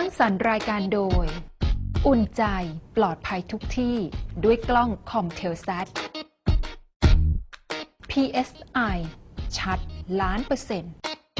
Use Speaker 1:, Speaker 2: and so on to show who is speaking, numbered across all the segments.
Speaker 1: สรรค์รายการโดยอุ่นใจปลอดภัยทุกที่ด้วยกล้องคอมเทลซัต PSI ชัด1,000,000%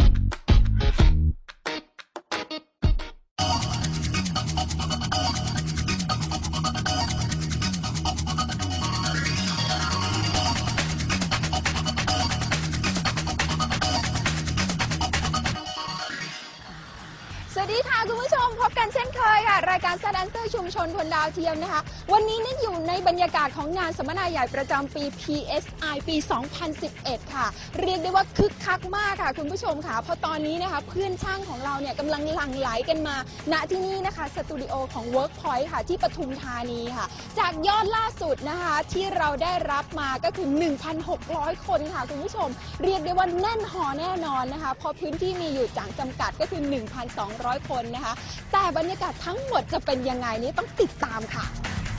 Speaker 2: สวัสดีค่ะคุณผู้ชมพบกันเช่นเคยค่ะรายการสแตนเซอร์ชุมชนบนดาวเทียมนะคะวันนี้นี่อยู่ในบรรยากาศของงานสัมมนาใหญ่ประจำปี PSI ปี 2011 ค่ะเรียกได้ว่าคึกคักมากค่ะคุณผู้ชมค่ะเพราะตอนนี้นะคะเพื่อนช่างของเราเนี่ยกำลังหลั่งไหลกันมาณที่นี่นะคะสตูดิโอของ Workpoint ค่ะที่ปทุมธานีค่ะจากยอดล่าสุดนะคะที่เราได้รับมาก็คือ 1,600 คนค่ะคุณผู้ชมเรียกได้ว่าแน่นหอแน่นอนนะคะเพราะพื้นที่มีอยู่จำกัดก็คือ 1,200 คนนะคะแต่บรรยากาศทั้งหมดจะเป็นยังไงนี้ต้องติดตามค่ะ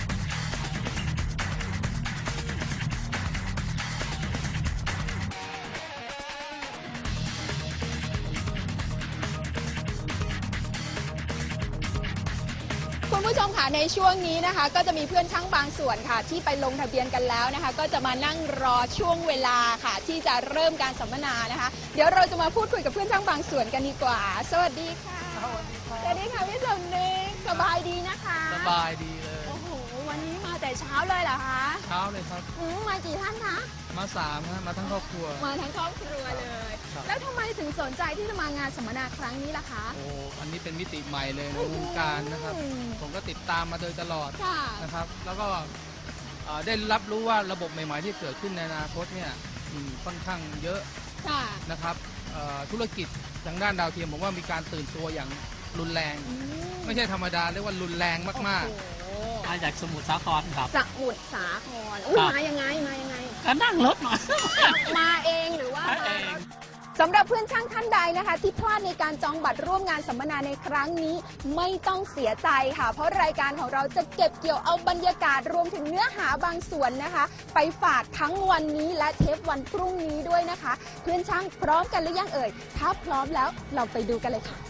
Speaker 2: คุณผู้ชมค่ะในช่วงนี้นะคะก็จะมีเพื่อนช่างบางส่วนค่ะที่ไปลงทะเบียนกันแล้วนะคะก็จะมานั่งรอช่วงเวลาค่ะที่จะเริ่มการสัมมนานะคะเดี๋ยวเราจะมาพูดคุยกับเพื่อนช่างบางส่วนกันดีกว่าสวัสดีค่ะสวัสดีค่ะพี่สมนึกสบายดีนะคะ
Speaker 3: สบายดีเลย
Speaker 2: โอ้โหวันนี้มาแต่เช้าเลยเหรอคะ
Speaker 3: เช้าเลยครับ
Speaker 2: มากี่ท่านคะ
Speaker 3: มา3ฮะมาทั้งครอบครัว
Speaker 2: มาทั้งครอบครัวเลยแล้วทำไมถึงสนใจที่จะมางานสัมมนาครั้งนี้ล่ะคะ
Speaker 3: โอ้อันนี้เป็นมิติใหม่เลยในวงการนะครับผมก็ติดตามมาโดยตลอดนะครับแล้วก็ได้รับรู้ว่าระบบใหม่ๆที่เกิดขึ้นในอนาคตเนี่ยค่อนข้างเยอะนะครับธุรกิจทางด้านดาวเทียมผมว่ามีการตื่นตัวอย่างรุนแรงไม่ใช่ธรรมดาเรียกว่ารุนแรงมากๆ
Speaker 4: มาจากสมุทรสาครครับ
Speaker 2: สมุทรสาครมายังไง
Speaker 4: ก็นั่งรถมา
Speaker 2: มาเองหรือว่าสำหรับเพื่อนช่างท่านใดนะคะที่พลาดในการจองบัตรร่วมงานสัมมนาในครั้งนี้ไม่ต้องเสียใจค่ะเพราะรายการของเราจะเก็บเกี่ยวเอาบรรยากาศรวมถึงเนื้อหาบางส่วนนะคะไปฝากทั้งวันนี้และเทปวันพรุ่งนี้ด้วยนะคะเพื่อนช่างพร้อมกันหรือยังเอ่ยถ้าพร้อมแล้วเราไปดูกันเลยค่ะ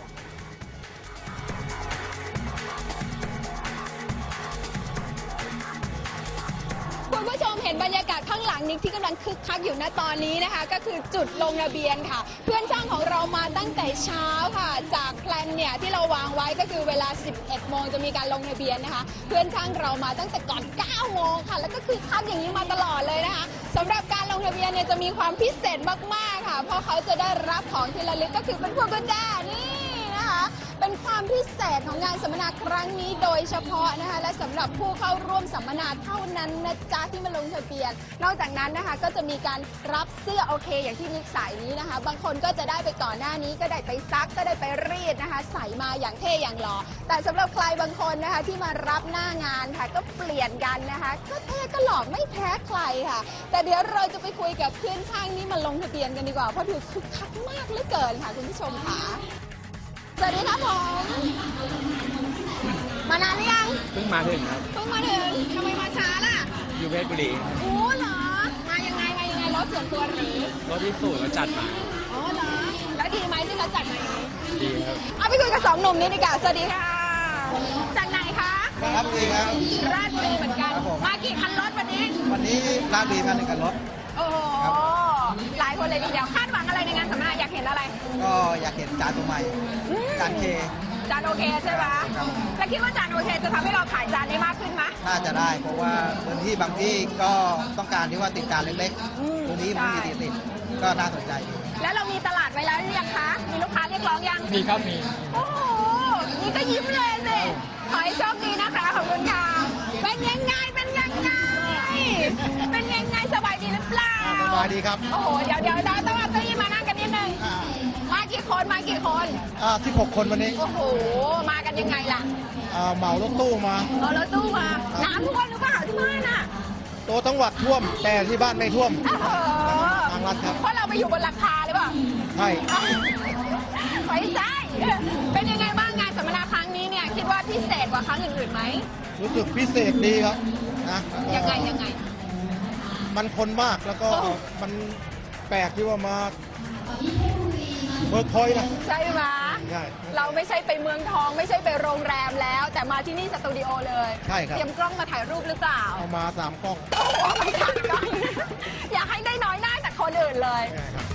Speaker 2: คุณผู้ชมเห็นบรรยากาศข้างหลังนี้ที่กำลังคึกคักอยู่ณตอนนี้นะคะก็คือจุดลงทะเบียนค่ะเพื่อนช่างของเรามาตั้งแต่เช้าค่ะจากแพลนเนี่ยที่เราวางไว้ก็คือเวลา 11 โมงจะมีการลงทะเบียนนะคะเพื่อนช่างเรามาตั้งแต่ก่อน 9 โมงค่ะแล้วก็คึกคักอย่างนี้มาตลอดเลยนะคะสำหรับการลงทะเบียนเนี่ยจะมีความพิเศษมากๆค่ะเพราะเขาจะได้รับของที่ระลึกก็คือเป็นพวงกุญแจนี่นะคะเป็นความพิเศษของงานสัมมนาครั้งนี้โดยเฉพาะนะคะและสำหรับผู้เข้าร่วมสัมมนาเท่านั้นนะจ๊ะที่มาลงทะเบียนนอกจากนั้นนะคะก็จะมีการรับเสื้อโอเคอย่างที่นิกใส่นี้นะคะบางคนก็จะได้ไปก่อนหน้านี้ก็ได้ไปซักก็ได้ไปรีดนะคะใส่มาอย่างเท่อย่างหล่อแต่สำหรับใครบางคนนะคะที่มารับหน้างานค่ะก็เปลี่ยนกันนะคะก็เท่ก็หล่อไม่แพ้ใครค่ะแต่เดี๋ยวเราจะไปคุยกับเพื่อนช่างนี่มาลงทะเบียนกันดีกว่าเพราะถือคึกคักมากเหลือเกินค่ะคุณผู้ชมค่ะสวัสดีครับผมมานานหรือยัง
Speaker 3: เพิ่งมาถึงครับ
Speaker 2: เพิ่งมาถึงทำไมมาช้าล่ะ
Speaker 3: อยู่เพชรบุรี
Speaker 2: โอ้เหรอมายังไงรถส่วนตัวหรือ
Speaker 3: รถที่สูตรเขาจัดมา
Speaker 2: อ๋อเหรอแล้วดีไหมที่เขาจัดมาอย่างนี้
Speaker 3: ดีครับ
Speaker 2: เอาไปคุยกับ2 หนุ่มนี้ดีกว่าสวัสดีค่ะจากไหนคะ
Speaker 5: ราชบุรีครับ
Speaker 2: ราชบุรีเหมือนกันมากี่คันรถวันนี้
Speaker 5: ราชบุรีมา1 คันรถ
Speaker 2: โอ้โหหลายคนเลยทีเดียวคาดหวังอะไรในงานสัมมนาอยากเห็นอะไร
Speaker 5: ก็อยากเห็นจานตัวใหม่จานเค
Speaker 2: จานโอเคใช่ไหมแล้วคิดว่าจานโอเคจะทำให้เราขายจานได้มากขึ้นไหม
Speaker 5: น่าจะได้เพราะว่าพื้นที่บางที่ก็ต้องการที่ว่าติดจานเล็กๆตรงนี้มันมีติดก็น่าสนใจดี
Speaker 2: แล้วเรามีตลาดไว้แล้วหรือยังคะมีลูกค้าเรียกร้องยัง
Speaker 3: มีครับมี
Speaker 2: โอ้โหนี่ก็ยิ้มเลยสิขอให้โชคดีนะคะขอบคุณค่ะเป็นยังไงสบายดีหรือเปล่า
Speaker 5: สบายดีครับ
Speaker 2: โอ้โหเดี๋ยวต้องเอาเก้าอี้มานั่งกันนิดนึงมากี่คน
Speaker 5: 16 คนวันนี้
Speaker 2: โอ้โหมากันยังไงล่ะ
Speaker 5: เหมารถตู้มา
Speaker 2: น้ำท่วมหรือเปล่าที่บ้านอ่ะ
Speaker 5: ตัวจังหวัดท่วมแต่ที่บ้านไม่ท่วมทางรัฐครับ
Speaker 2: เพราะเราไปอยู่บนหลังคาหรือเปล่า
Speaker 5: ใช่
Speaker 2: ไม่ใช่เป็นยังไงบ้างงานสัมมนาครั้งนี้เนี่ยคิดว่าพิเศษกว่าครั้งอื่นๆไหม
Speaker 5: รู้สึกพิเศษดีครับนะ
Speaker 2: ยังไง
Speaker 5: มันคนมากแล้วก็มันแปลกที่ว่ามาเวิร์กพอยต์นะ
Speaker 2: ใช่ไหม
Speaker 5: ใช่
Speaker 2: เราไม่ใช่ไปเมืองทองไม่ใช่ไปโรงแรมแล้ว แต่มาที่นี่สตูดิโอเลย
Speaker 5: ใช่ครับ
Speaker 2: เตรียมกล้องมาถ่ายรูปหรือเปล่า
Speaker 5: เอามา3 กล้อง
Speaker 2: โอ้โหไม่ถ่ายกล้อง อยากให้ได้น้อยหน้าจากคนอื่นเลย
Speaker 5: ใช่ครับ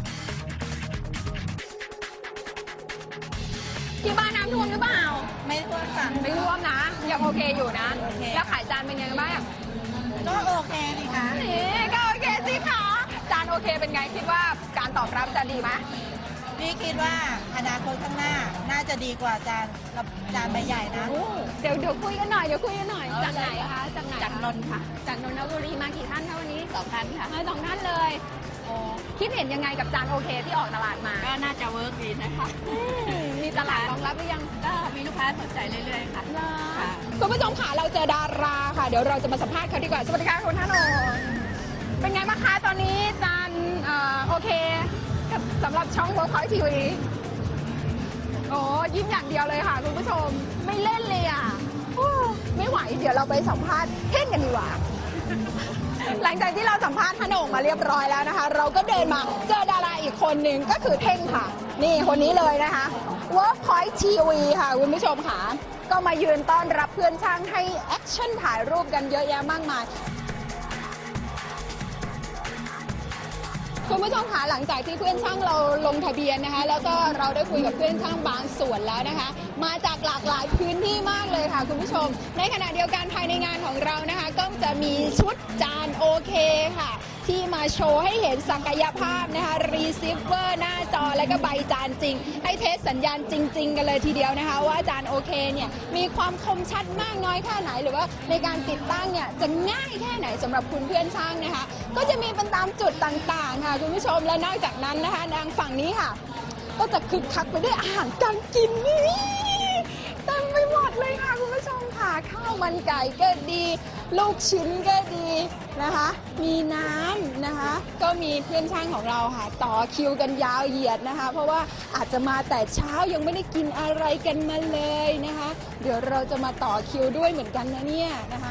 Speaker 2: ที่บ้านน้ำท่วมหรือเปล่า
Speaker 6: ไม่ท่วมค่ะ
Speaker 2: ไม่ท่วมนะ ยังโอเคอยู่นะ
Speaker 6: โอเค
Speaker 2: แล้วขายจานเป็นไงบ้าง
Speaker 6: ก็โอเคนี่คะ
Speaker 2: นี่ก็โอเคสิคะจานโอเคเป็นไงคิดว่าการตอบรับจะดีไหม
Speaker 6: พี่คิดว่าอนาคตข้างหน้าน่าจะดีกว่าจานใบใหญ่นะ
Speaker 2: เดี๋ยวคุยกันหน่อยจากไหนคะจากไหน
Speaker 6: จากนนท์ค่ะ
Speaker 2: จากนนทบุรีมากี่ท่านคะวันนี้
Speaker 6: 2 ท่านค่ะ
Speaker 2: มา2 ท่านเลยโอ้คิดเห็นยังไงกับจานโอเคที่ออกตลาดมา
Speaker 6: ก็น่าจะเวิร์กดีนะคะ
Speaker 2: มีตลาดรองรับหรือยัง
Speaker 6: ก็มีลูกค้าสนใจเรื่อยๆค่ะ ค่ะ
Speaker 2: คุณผู้ชมค่ะเราเจอดาราค่ะ เดี๋ยวเราจะมาสัมภาษณ์เขาดีกว่า สวัสดีค่ะคุณธนนท์เป็นไงบ้างคะตอนนี้จานโอเคกับสำหรับช่อง Workpoint TV โอ้ยิ้มอย่างเดียวเลยค่ะคุณผู้ชมไม่เล่นเลยอ่ะโอ้ไม่ไหวเดี๋ยวเราไปสัมภาษณ์เท่งกันดีกว่า หลังจากที่เราสัมภาษณ์ธนงมาเรียบร้อยแล้วนะคะ เราก็เดินมาเจอดาราอีกคนหนึ่งก็คือเท่งค่ะ นี่คนนี้เลยนะคะ Workpoint TV ค่ะคุณผู้ชมค่ะ ก็มายืนต้อนรับเพื่อนช่างให้แอคชั่นถ่ายรูปกันเยอะแยะมากมาย คุณผู้ชมคะหลังจากที่เพื่อนช่างเราลงทะเบียนนะคะ แล้วก็เราได้คุยกับเพื่อนช่างบางส่วนแล้วนะคะ มาจากหลากหลายพื้นที่มากเลยค่ะคุณผู้ชม ในขณะเดียวกันภายในงานของเรานะคะ ก็จะมีชุดจานโอเคค่ะ ที่มาโชว์ให้เห็นศักยภาพนะคะรีเซิฟเวอร์หน้าจอและก็ใบจานจริง ให้เทสสัญญาณจริง ๆ กันเลยทีเดียวนะคะ ว่าจานโอเคเนี่ยมีความคมชัดมากน้อยแค่ไหนหรือว่าในการติดตั้งเนี่ยจะง่ายแค่ไหนสำหรับคุณเพื่อนช่างนะคะ ก็จะมีเป็นตามจุดต่างๆค่ะคุณผู้ชมและนอกจากนั้นนะคะทางฝั่งนี้ค่ะ ก็จะคึกคักไปด้วยอาหารการกินนี่เต็มไปหมดเลยค่ะคุณผู้ชมค่ะข้าวมันไก่ก็ดี ลูกชิ้นก็ดีนะคะ มีน้ำนะคะ ก็มีเพื่อนช่างของเราค่ะ ต่อคิวกันยาวเหยียดนะคะ เพราะว่าอาจจะมาแต่เช้ายังไม่ได้กินอะไรกันมาเลยนะคะ เดี๋ยวเราจะมาต่อคิวด้วยเหมือนกันนะเนี่ยนะคะ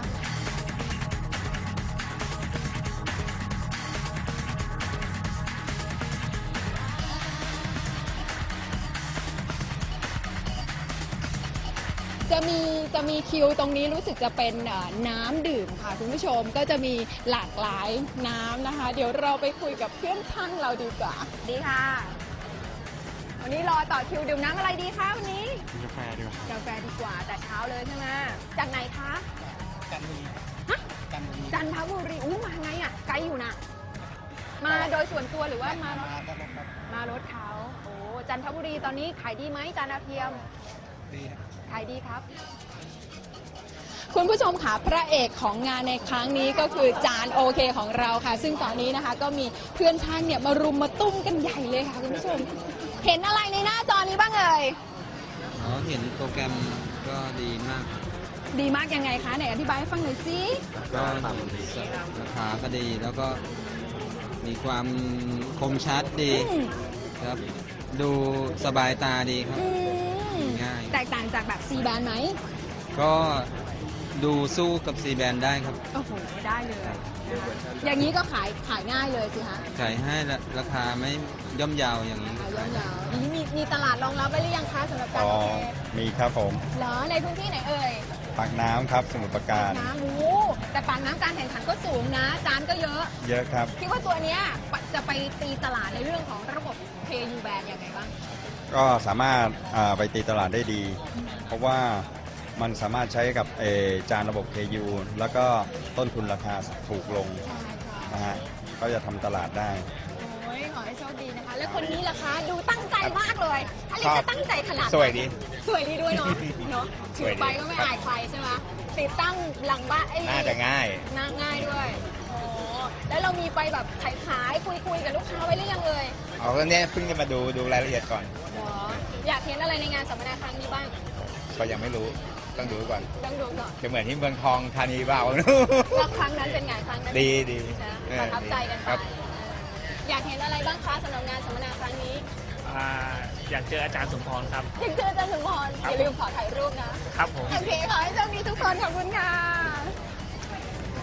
Speaker 2: จะมีคิวตรงนี้รู้สึกจะเป็นน้ำดื่มค่ะคุณผู้ชมก็จะมีหลากหลายน้ำนะคะ เดี๋ยวเราไปคุยกับเพื่อนช่างเราดีกว่าดีค่ะ วันนี้รอต่อคิวดื่มน้ำอะไรดีคะวันนี้
Speaker 7: กาแฟดีกว่า
Speaker 2: กาแฟดีกว่าแต่เช้าเลยใช่ไหมจากไหนคะ
Speaker 5: จันทบุรี
Speaker 2: ฮะ
Speaker 5: จันทบุรี
Speaker 2: จันทบุรีอู้มาไงอ่ะไกลอยู่นะมาโดยส่วนตัวหรือว่ามารถ
Speaker 5: ครับผมครับ
Speaker 2: มารถเขาโอ้จันทบุรีตอนนี้ขายดีไหมจานดาวเทียม
Speaker 5: ดีครับ
Speaker 2: ขายดีครับ คุณผู้ชมค่ะพระเอกของงานในครั้งนี้ก็คือจานโอเคของเราค่ะ ซึ่งตอนนี้นะคะก็มีเพื่อนช่างเนี่ยมารุมมาตุ้มกันใหญ่เลยค่ะคุณผู้ชม เห็นอะไรในหน้าจอนี้บ้างเอ่ย
Speaker 8: อ๋อ เห็นโปรแกรมก็ดีมาก
Speaker 2: ดีมากยังไงคะไหนอธิบายให้ฟังหน่อยสิ
Speaker 8: ก็ราคาก็ดี แล้วก็มีความคมชัดดี
Speaker 2: อืม
Speaker 8: ครับ ดูสบายตาดีครับ
Speaker 2: อืม
Speaker 8: ง่าย
Speaker 2: แตกต่างจากแบบ C แบนไหม
Speaker 8: ก็ดูสู้กับซีแบนได้ครับ
Speaker 2: โอ้โหได้เลยนะคะอย่างนี้ก็ขายง่ายเลยสิคะ
Speaker 8: ขายให้ราคาไม่ย่อมเยาวอย่างนี้
Speaker 2: ขายยาวๆอย่างนี้มีตลาดรองรับไว้หรือยังคะสำหรับจานโอเค
Speaker 7: มีครับผม
Speaker 2: เหรอในพื้นที่ไหนเอ่ย
Speaker 7: ปากน้ำครับสมุทรปราการ
Speaker 2: น้ำโอ้แต่ปากน้ำการแข่งขันก็สูงนะ จานก็เยอะ
Speaker 7: เยอะครับ
Speaker 2: คิดว่าตัวเนี้ยจะไปตีตลาดในเรื่องของระบบ KU band ยังไงบ้าง
Speaker 7: ก็สามารถไปตีตลาดได้ดี เพราะว่ามันสามารถใช้กับจานระบบ KU แล้วก็ต้นทุนราคาถูกลง
Speaker 2: ใช่ค่ะ
Speaker 7: นะฮะก็จะทำตลาดได้
Speaker 2: โอ้ยขอให้โชคดีนะคะ แล้วคนนี้ล่ะคะ ดูตั้งใจมากเลยอะไรจะตั้งใจขนาดนั้น
Speaker 7: สวยดี
Speaker 2: สวยดีด้วยเนาะ เนาะ
Speaker 7: ส
Speaker 2: ถื
Speaker 7: วย
Speaker 2: อ
Speaker 7: ดี
Speaker 2: ไปก็ไม่อายใครใช่ไหมติดตั้งหลังบ้าน
Speaker 7: น่าจะง่าย
Speaker 2: ง่ายด้วยโอ้แล้วเรามีไปแบบขายคุยกับลูกค้าไว้หรือยังเอ่ย
Speaker 7: เอาก็เนี่ยเพิ่งจะมาดูรายละเอียดก่อน
Speaker 2: เหรออยากเห็นอะไรในงานสัมมนาครั้งนี้บ้าง
Speaker 7: ก็ยังไม่รู้ ต้องดูก่อน
Speaker 2: ต้องดูก่อน
Speaker 7: จะเหมือนที่เมืองทองธานีเปล่า
Speaker 2: แล้วครั้งนั้นเป็นไงครั้งนั้น
Speaker 7: ดีดี
Speaker 2: นะประทับใจกันไป
Speaker 7: ครับ
Speaker 2: อยากเห็นอะไรบ้างคะสำหรับงานสัมมนาครั้งนี้
Speaker 4: อยากเจออาจารย์สมพรครับ
Speaker 2: อยากเจออาจารย์สมพรอย่าลืมขอถ่ายรูปนะ
Speaker 4: ครับผม
Speaker 2: โอเค ขอให้โชคดีทุกคน ขอบคุณค่ะ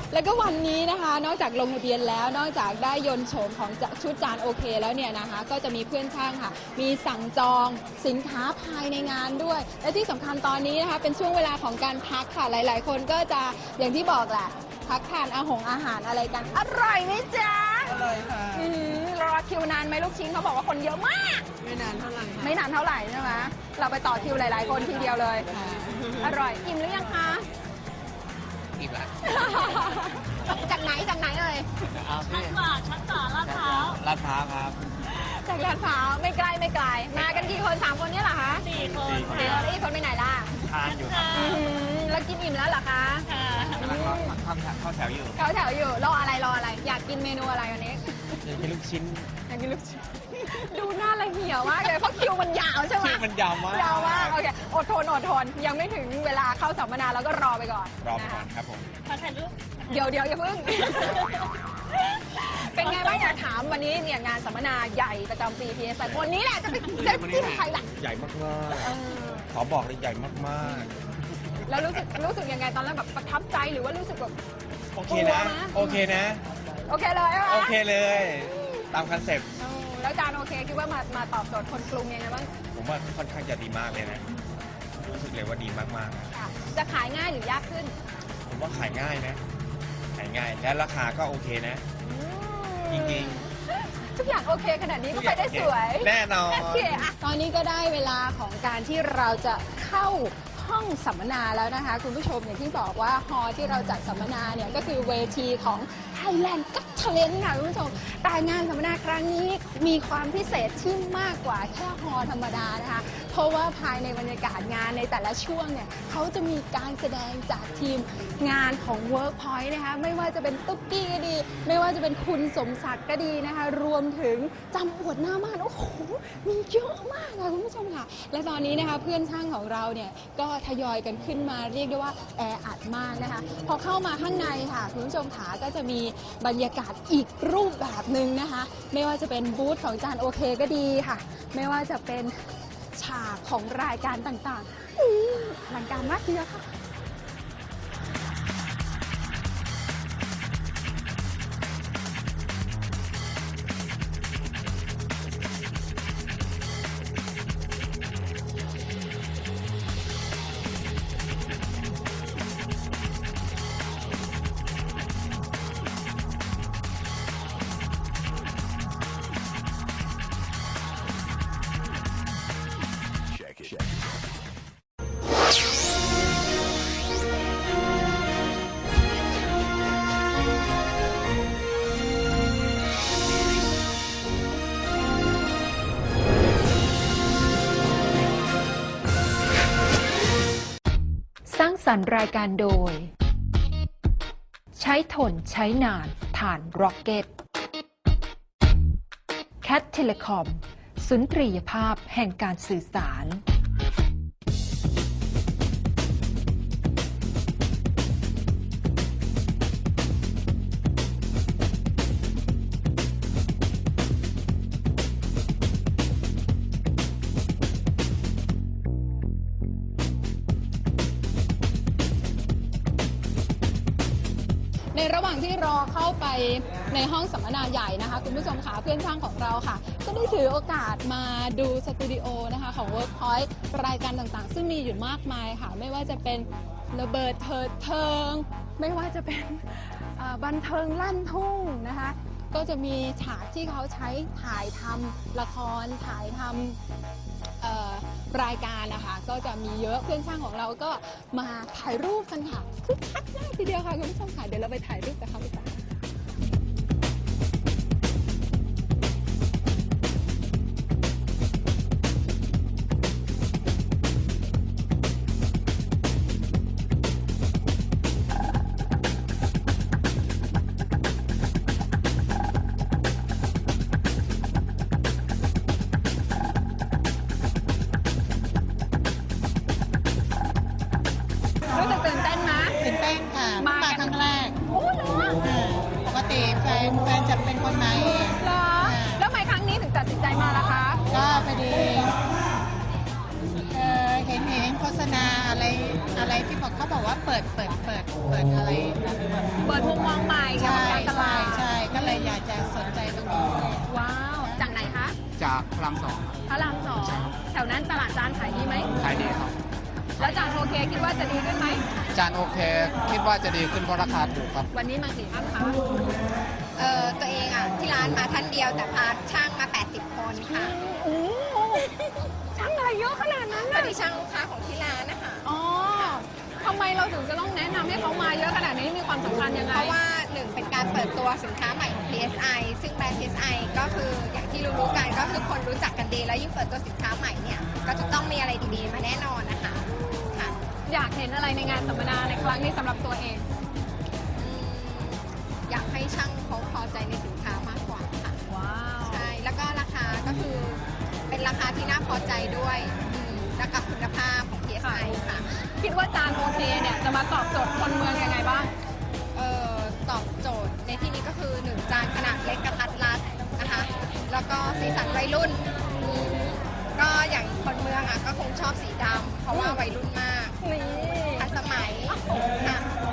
Speaker 2: แล้วก็วันนี้นะคะนอกจากลงทะเบียนแล้วนอกจากได้ยนต์โฉมของชุดจานโอเคแล้วเนี่ยนะคะก็จะมีเพื่อนช่างค่ะมีสั่งจองสินค้าภายในงานด้วยและที่สำคัญตอนนี้นะคะเป็นช่วงเวลาของการพักค่ะหลาย ๆ คนก็จะอย่างที่บอกแหละพักทานอาหารอะไรกันอร่อยไหมจ๊ะ
Speaker 6: อร่อยค่ะ
Speaker 2: รอคิวนานไหมลูกชิ้นเขาบอกว่าคนเยอะมาก
Speaker 6: ไม่นานเท่าไหร่
Speaker 2: ไม่นานเท่าไหร่ใช่ไหมเราไปต่อคิวหลาย ๆ คนทีเดียวเลย
Speaker 6: ค่ะ
Speaker 2: อร่อยอิ่มหรือยังคะ
Speaker 3: อิ่มละ
Speaker 2: จากไหนเอ่ย
Speaker 3: ชั้นกว่าลาดพร้าวครับ
Speaker 2: จากลาดพร้าวไม่ไกลมากันกี่คน3 คนเนี่ยเหรอคะ
Speaker 6: 4 คน
Speaker 2: แล้วอีกคนไปไหนล่ะ
Speaker 3: ทานอยู่ครับ
Speaker 2: แล้วกินอิ่มแล้วเหรอคะ
Speaker 3: กำลังเข้าแถวอยู่
Speaker 2: เขาแถวอยู่รออะไรอยากกินเมนูอะไรวันนี้
Speaker 3: อยากกินลูกชิ้น
Speaker 2: อยากกินลูกชิ้นดูหน้าละเหี่ยวมากเลยเพราะคิวมันยาวใช่ไหม
Speaker 3: คิวมันยาวมาก
Speaker 2: ยาวมากโอเคอดทนยังไม่ถึงเวลาเข้าสัมมนาแล้วก็รอไปก่อน
Speaker 3: รอไปก่อนครับผม
Speaker 2: เดี๋ยวอย่าเพิ่ง เป็นไงบ้างอยากถามวันนี้เนี่ยงานสัมมนาใหญ่ประจำปี PSI วันนี้แหละจะไปที่ไทยแหละ
Speaker 3: ใหญ่มากๆขอบอกเลยใหญ่มาก
Speaker 2: แล้วรู้สึกยังไงตอนแรกแบบประทับใจหรือว่ารู้สึกแบบ
Speaker 3: ๆโอเคนะ
Speaker 2: โอเคเลยใช่ไหม
Speaker 3: โอเคเลย ตามคอนเซ็ปต์
Speaker 2: แล้วจานโอเคคิดว่ามาตอบโจทย์คนกรุงยังไงบ้าง
Speaker 3: ผมว่าค่อนข้างจะดีมากเลยนะ รู้สึกเลยว่าดีมากๆ
Speaker 2: ค่ะจะขายง่ายหรือยากขึ้น
Speaker 3: ผมว่าขายง่ายนะ ขายง่าย และราคาก็โอเคนะ จริง
Speaker 2: ทุกอย่างโอเคขนาดนี้ก็ไปได้สวย
Speaker 3: แน่นอน
Speaker 2: โอเคอะตอนนี้ก็ได้เวลาของการที่เราจะเข้าห้องสัมมนาแล้วนะคะคุณผู้ชมอย่างที่บอกว่าฮอลล์ที่เราจัดสัมมนาเนี่ยก็คือเวทีของ Thailand Got Talent ค่ะคุณผู้ชมแต่งานสัมมนาครั้งนี้มีความพิเศษที่มากกว่าแค่ฮอลล์ธรรมดานะคะเพราะว่าภายในบรรยากาศงานในแต่ละช่วงเนี่ยเขาจะมีการแสดงจากทีมงานของ Workpoint นะคะไม่ว่าจะเป็นตุ๊กกี้ก็ดีไม่ว่าจะเป็นคุณสมศักดิ์ก็ดีนะคะรวมถึงจำอวดหน้าม่านโอ้โหมีเยอะมากค่ะคุณผู้ชมค่ะและตอนนี้นะคะเพื่อนช่างของเราเนี่ยก็ทยอยกันขึ้นมาเรียกได้ว่าแออัดมากนะคะพอเข้ามาข้างในค่ะคุณผู้ชมขาก็จะมีบรรยากาศอีกรูปแบบหนึ่งนะคะไม่ว่าจะเป็นบูธของจานโอเคก็ดีค่ะไม่ว่าจะเป็นฉากของรายการต่างๆอลังการมากทีเดียวค่ะ
Speaker 1: สร้างสรรค์รายการโดย ใช้ทนใช้นานผ่านร็อกเก็ตแคทเทเลคอมสุนทรียภาพแห่งการสื่อสาร
Speaker 2: ในระหว่างที่รอเข้าไปในห้องสัมมนาใหญ่นะคะคุณผู้ชมค่ะเพื่อนช่างของเราค่ะก็ได้ถือโอกาสมาดูสตูดิโอนะคะของ Workpoint รายการต่างๆซึ่งมีอยู่มากมายค่ะไม่ว่าจะเป็นระเบิดเถิดเทิงไม่ว่าจะเป็นบันเทิงลั่นทุ่งนะคะก็จะมีฉากที่เขาใช้ถ่ายทำละครถ่ายทำรายการนะคะก็จะมีเยอะเพื่อนช่างของเราก็มาถ่ายรูปกันค่ะคึกคักมากทีเดียวค่ะคุณผู้ชมค่ะเดี๋ยวเราไปถ่ายรูปกับเขาดีกว่า รู้สึกตื่นเต้นไหม
Speaker 6: ตื่นเต้นค่ะ
Speaker 2: มา
Speaker 6: มา
Speaker 2: กัน
Speaker 6: ครั้งแรก
Speaker 2: โอ้เหรอ
Speaker 6: ปกติแฟนจะเป็นคนมาเอง
Speaker 2: เหรอแล้วทำไมครั้งนี้ถึงตัดสินใจมาล่ะคะ
Speaker 6: ก็พอดีเห็นคษณาอะไรที่บอกเขาบอกว่าเปิดอะไร
Speaker 2: เปิดมุมมองใหม่เกี่ยวกับการตลาด
Speaker 6: ใช่ก็เลยอยากจะสนใจตรงนี้
Speaker 2: ว้าว จากไหนคะ
Speaker 3: จากพระราม
Speaker 2: พระรามสองแถวนั้นตลาดจานขายดีไหม
Speaker 3: 2ขายดีครับ
Speaker 2: แล้วจานโอเคคิดว่าจะดีขึ้นไหม
Speaker 3: จานโอเค คิดว่าจะดีขึ้นเพราะราคาถูกครับ
Speaker 2: วันนี้มากี่ท่านคะ
Speaker 9: ตัวเองอ่ะที่ร้านมาท่านเดียวแต่พาช่างมา 80 คนค่ะ
Speaker 2: โอ้ช่างอะไรเยอะขนาดนั้น
Speaker 9: พอ
Speaker 2: น่ะ
Speaker 9: ดีช่างลูกค้าของที่ร้านนะคะ
Speaker 2: อ๋อทำไมเราถึงจะต้องแนะนำให้เขามาเยอะขนาดนี้มีความสำคัญยังไง
Speaker 9: เพราะว่าหนึ่งเป็นการเปิดตัวสินค้าใหม่ของ PSI ซึ่งแบรนด์ PSI ก็คืออย่างที่รู้ๆกันก็คือคนรู้จักกันดีแล้วยิ่งเปิดตัวสินค้าใหม่เนี่ยก็จะต้องมีอะไรดีๆมาแน่นอนนะคะค่ะ
Speaker 2: อยากเห็นอะไรในงานสัมมนาในครั้งนี้สำหรับตัวเอง
Speaker 9: อืมอยากให้ช่างเขาพอใจในสินค้ามากกว่าค่ะ
Speaker 2: ว้าว
Speaker 9: ใช่ แล้วก็ราคาก็คือเป็นราคาที่น่าพอใจด้วยและกับคุณภาพของ PSI ค่ะ
Speaker 2: คิดว่าจานโอเคเนี่ยจะมาตอบโจทย์คนเมืองยังไงบ้าง
Speaker 9: ตอบโจทย์ในที่นี้ก็คือ 1 จานขนาดเล็กกระทัดรัดนะคะ แล้วก็สีสันวัยรุ่น ก็อย่างคนเมืองอ่ะก็คงชอบสีดำเพราะว่าวัยรุ่นมาก
Speaker 2: นี่
Speaker 9: ทันสมัยค่ะ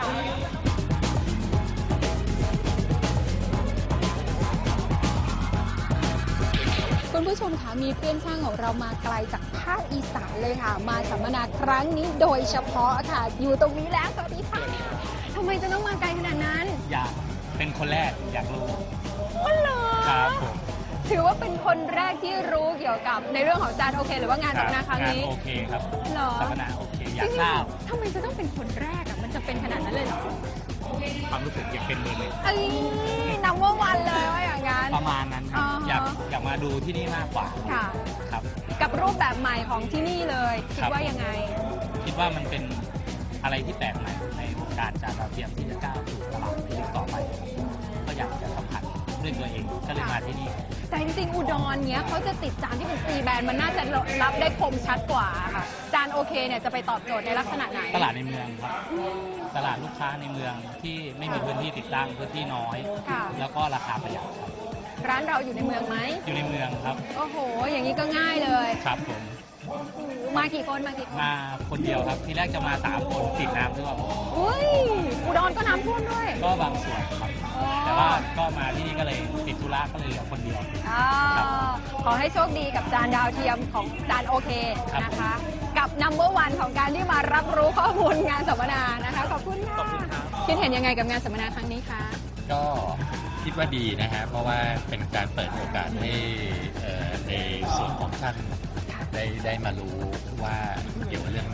Speaker 2: คุณผู้ชมคะมีเพื่อนช่างของเรามาไกลจากภาคอีสานเลยค่ะ มาสัมมนาครั้งนี้โดยเฉพาะค่ะ อยู่ตรงนี้แล้วสวัสดีค่ะทำไมจะต้องมาไกลขนาดนั้น
Speaker 4: อยากเป็นคนแรกอยากรู้
Speaker 2: อ๋อเหรอ
Speaker 4: ครับผม
Speaker 2: ถือว่าเป็นคนแรกที่รู้เกี่ยวกับในเรื่องของจานโอเค หรือว่างานสัมมนาครั้งนี้
Speaker 4: โอเคครับ
Speaker 2: เหรอ
Speaker 4: สัมมนาโอเคอยากทราบ
Speaker 2: ทำไมจะต้องเป็นคนแรกอ่ะมันจะเป็นขนาดนั้นเลยเหรอ
Speaker 4: ความรู้สึกอยากเป็นเบอร์หนึ่ง
Speaker 2: เอ้ยนัมเบอร์วันเลยว่าอย่างนั้น
Speaker 4: ประมาณนั้นครับ
Speaker 2: อ๋ออ
Speaker 4: อยากมาดูที่นี่มากกว่า
Speaker 2: ค่ะ
Speaker 4: ครับ
Speaker 2: กับรูปแบบใหม่ของที่นี่เลยคิด
Speaker 4: ครับ
Speaker 2: ว่ายังไง
Speaker 4: คิดว่ามันเป็นอะไรที่แปลกใหม่ในวงการจานดาวเทียมที่จะก้าวสู่ตลาดในยุคต่อไป ก็อยากจะสัมผัสด้วยตัวเองก็เลยมาที่นี่
Speaker 2: แต่จริงๆอุดรเนี้ยเขาจะติดจานที่เป็นซีแบนมันน่าจะรับได้คมชัดกว่าค่ะ จานโอเคเนี่ยจะไปตอบโจทย์ในลักษณะไหน
Speaker 4: ตลาดในเมืองครับ ตลาดลูกค้าในเมืองที่ไม่มีพื้นที่ติดตั้งพื้นที่น้อย
Speaker 2: ค่ะ
Speaker 4: แล้วก็ราคาประหยัดครับ
Speaker 2: ร้านเราอยู่ในเมืองไหม
Speaker 4: อยู่ในเมืองครับ
Speaker 2: โอ้โห อย่างนี้ก็ง่ายเลย
Speaker 4: ครับผม
Speaker 2: มากี่คนมากี่คน
Speaker 4: มาคนเดียวครับ ทีแรกจะมา3คนติดน้ำด้วย
Speaker 2: อุ้ยอุดรก็น้ำท่วมด้วย
Speaker 4: ก็บางส่วนครับ แต่ว่าก็มาที่นี่ก็เลยติดธุระก็เลยเหลือคนเดียว
Speaker 2: อ่า
Speaker 4: ครับ
Speaker 2: ขอให้โชคดีกับจานดาวเทียมของจานโอเค
Speaker 4: ครับ
Speaker 2: นะคะ กับ number one ของการที่มารับรู้ข้อมูลงานสัมมนานะคะ ขอบคุณค่ะ
Speaker 4: ขอบคุณครับ
Speaker 2: คิดเห็นยังไงกับงานสัมมนาครั้งนี้คะ
Speaker 10: ก็คิดว่าดีนะฮะเพราะว่าเป็นการเปิดโอกาสให้ในส่วนของท่านได้มารู้ว่าเกี่ยวกับเรื่อง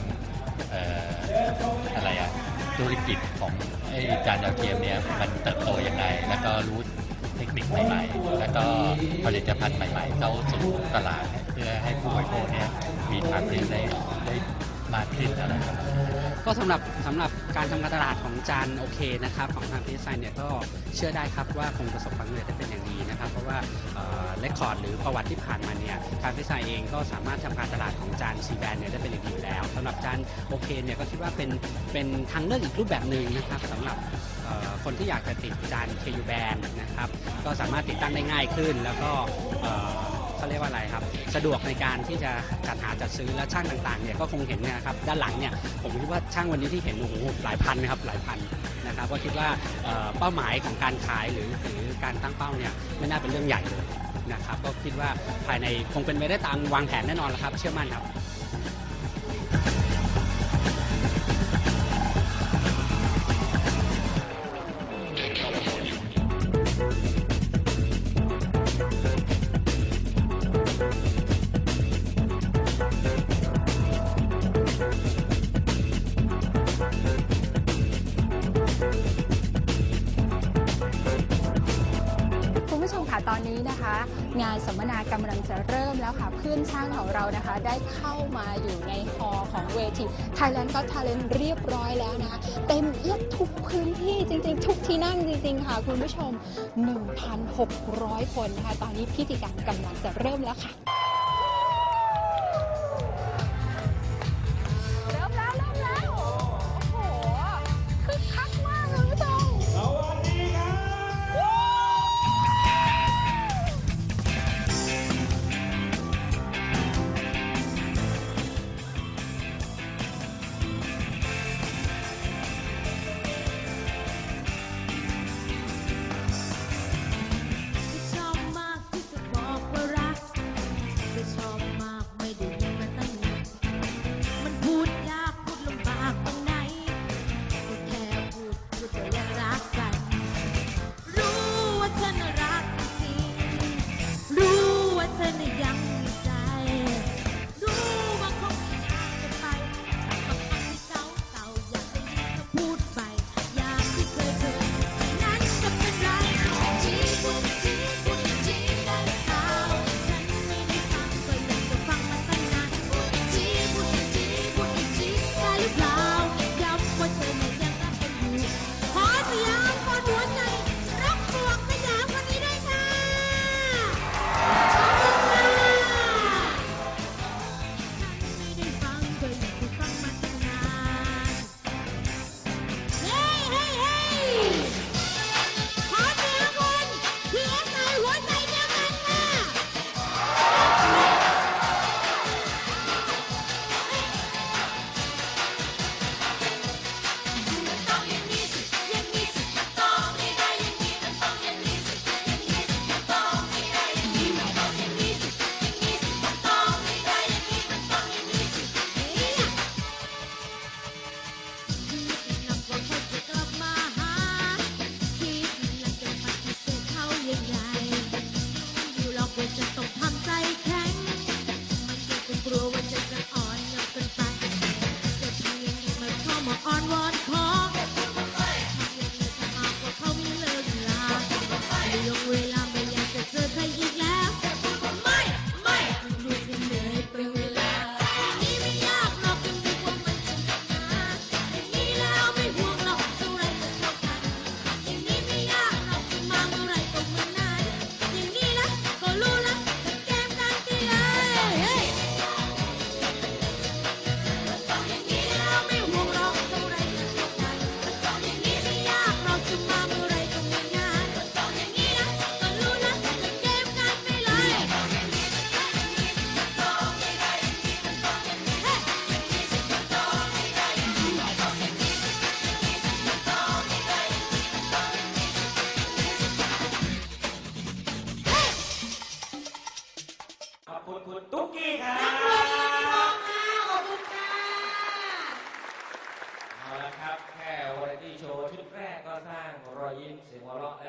Speaker 10: อะไรอะธุรกิจของไอ้จานดาวเทียมเนี่ยมันเติบโตยังไง แล้วก็รู้เทคนิคใหม่ๆ แล้วก็ผลิตภัณฑ์ใหม่ๆเข้าสู่ตลาดเพื่อให้ผู้บริโภคเนี่ยมีทางเลือกได้มากขึ้นอะไรประมาณนั้น
Speaker 11: ก็สำหรับการทำการตลาดของจานโอเคนะครับของทางพีไซเนี่ยก็เชื่อได้ครับว่าคงประสบความสำเร็จได้เป็นอย่างดีนะครับเพราะว่าเรคคอร์ดหรือประวัติที่ผ่านมาเนี่ยทางพีไซเองก็สามารถทำการตลาดของจานซีแบนเนี่ยได้เป็นอย่างดีอยู่แล้วสำหรับจานโอเคเนี่ยก็คิดว่าเป็นทางเลือกอีกรูปแบบหนึ่งนะครับสำหรับคนที่อยากจะติดจาน KU Band นะครับก็สามารถติดตั้งได้ง่ายขึ้น แล้วก็เขาเรียกว่าอะไรครับสะดวกในการที่จะจัดหาจัดซื้อและช่างต่างๆเนี่ยก็คงเห็นนะครับด้านหลังเนี่ยผมคิดว่าช่างวันนี้ที่เห็นโอ้โหหลายพันนะครับหลายพันนะครับก็คิดว่าเป้าหมายของการขายหรือการตั้งเป้าเนี่ยไม่น่าเป็นเรื่องใหญ่เลยนะครับก็คิดว่าภายในคงเป็นไปได้ตามวางแผนแน่นอนแล้วครับเชื่อมั่นครับ
Speaker 1: คุณผู้ชมค่ะตอนนี้นะคะ งานสัมมนากำลังจะเริ่มแล้วค่ะเพื่อนช่างของเรานะคะ ได้เข้ามาอยู่ในฮอลล์ของเวที Thailand Got Talent เรียบร้อยแล้วนะคะเต็มเอียดทุกพื้นที่จริงๆ ทุกที่นั่งจริงๆค่ะคุณผู้ชม 1,600 คนนะคะตอนนี้พิธีการกำลังจะเริ่มแล้วค่ะ
Speaker 2: เริ่มแล้ว โอ้โหคึกคักมากคุณผู้ชม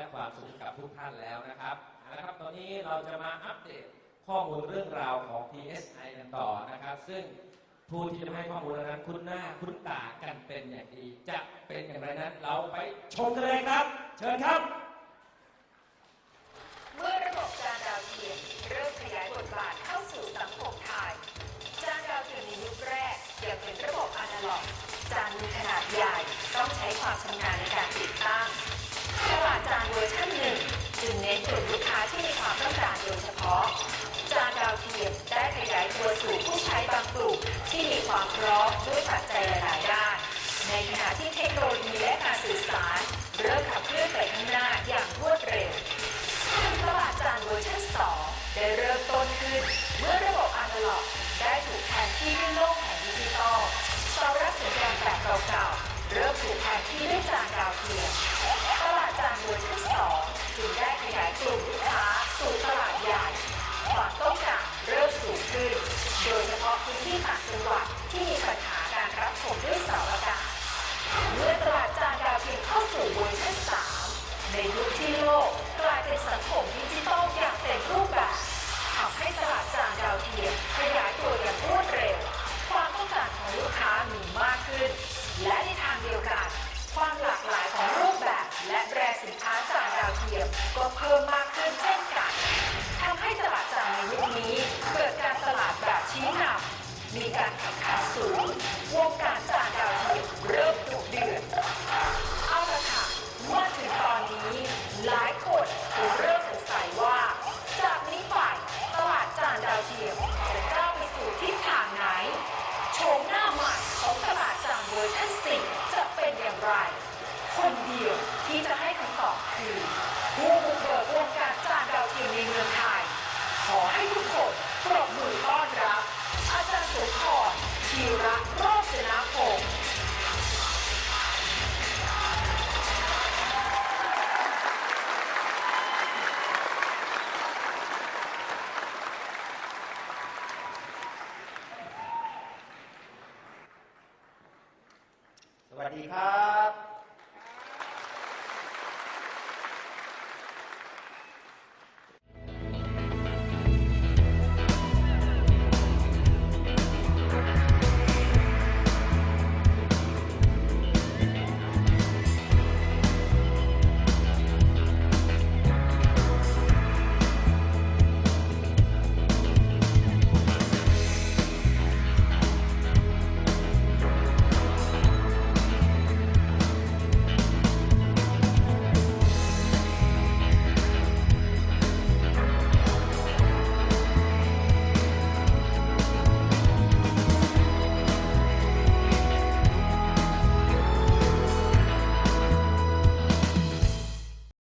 Speaker 12: และความสุขกับทุกท่านแล้วนะครับนะครับตอนนี้เราจะมาอัปเดตข้อมูลเรื่องราวของ PSI กันต่อนะครับซึ่งผู้ที่จะให้ข้อมูลนั้นคุ้นหน้าคุ้นตากันเป็นอย่างดีจะเป็นอย่างไรนั้นเราไปชมกันเลยครับเชิญครับ
Speaker 13: เมื่อระบบจานดาวเทียมเริ่มขยายบทบาทเข้าสู่สังคมไทยจานดาวเทียมในยุคแรกยังเป็นระบบอนาล็อกจานมีขนาดใหญ่ต้องใช้ความชำนาญในการติดตั้งตลาดจานเวอร์ชันหนึ่งจึงเน้นกลุ่มลูกค้าที่มีความต้องการโดยเฉพาะจานดาวเทียมได้ขยายตัวสู่ผู้ใช้บางกลุ่มที่มีความพร้อมด้วยปัจจัยหลายด้านในขณะที่เทคโนโลยีและการสื่อสารเริ่มขับเคลื่อนไปข้างหน้าอย่างรวดเร็วตลาดจานเวอร์ชัน2ได้เริ่มต้นขึ้นเมื่อระบบอนาล็อกได้ถูกแทนที่ด้วยโลกแห่งดิจิตอลเสารับสัญญาณแบบเก่าๆเริ่มถูกแทนที่ด้วยจานดาวเทียมตลาดจานเวอร์ชัน2จึงได้ขยายกลุ่มลูกค้าสู่ตลาดใหญ่ความต้องการเริ่มสูงขึ้นโดยเฉพาะพื้นที่ต่างจังหวัดที่มีปัญหาการรับชมด้วยเสาอากาศเมื่อตลาดจานดาวเทียมเข้าสู่เวอร์ชัน3ในยุคที่โลกกลายเป็นสังคมดิจิทัลอย่างเต็มรูปแบบทำให้ตลาดจานดาวเทียมขยายตัวอย่างรวดเร็วความต้องการของลูกค้ามีมากขึ้นและในทางเดียวกันความหลากหลายของรูปแบบและแบรนด์สินค้าจานดาวเทียมก็เพิ่มมากขึ้นเช่นกันทำให้ตลาดจานในยุคนี้เกิดการตลาดแบบชี้นำมีการแข่งขันสูงวงการจานดาวเทียมเริ่มดุเดือดเอาละค่ะมาถึงตอนนี้หลายคนคงเริ่มสงสัยว่าจากนี้ไปตลาดจานดาวเทียมจะก้าวไปสู่ทิศทางไหนโฉมหน้าใหม่ของตลาดจานเวอร์ชัน4จะเป็นอย่างไรคนเดียวที่จะให้คำตอบคือผู้บุกเบิกวงการจานดาวเทียมในเมืองไทยขอให้ทุกคนปรบมือต้อนรับอาจารย์สุนทรธีระโรจนพงศ์
Speaker 14: สวัสดีครับ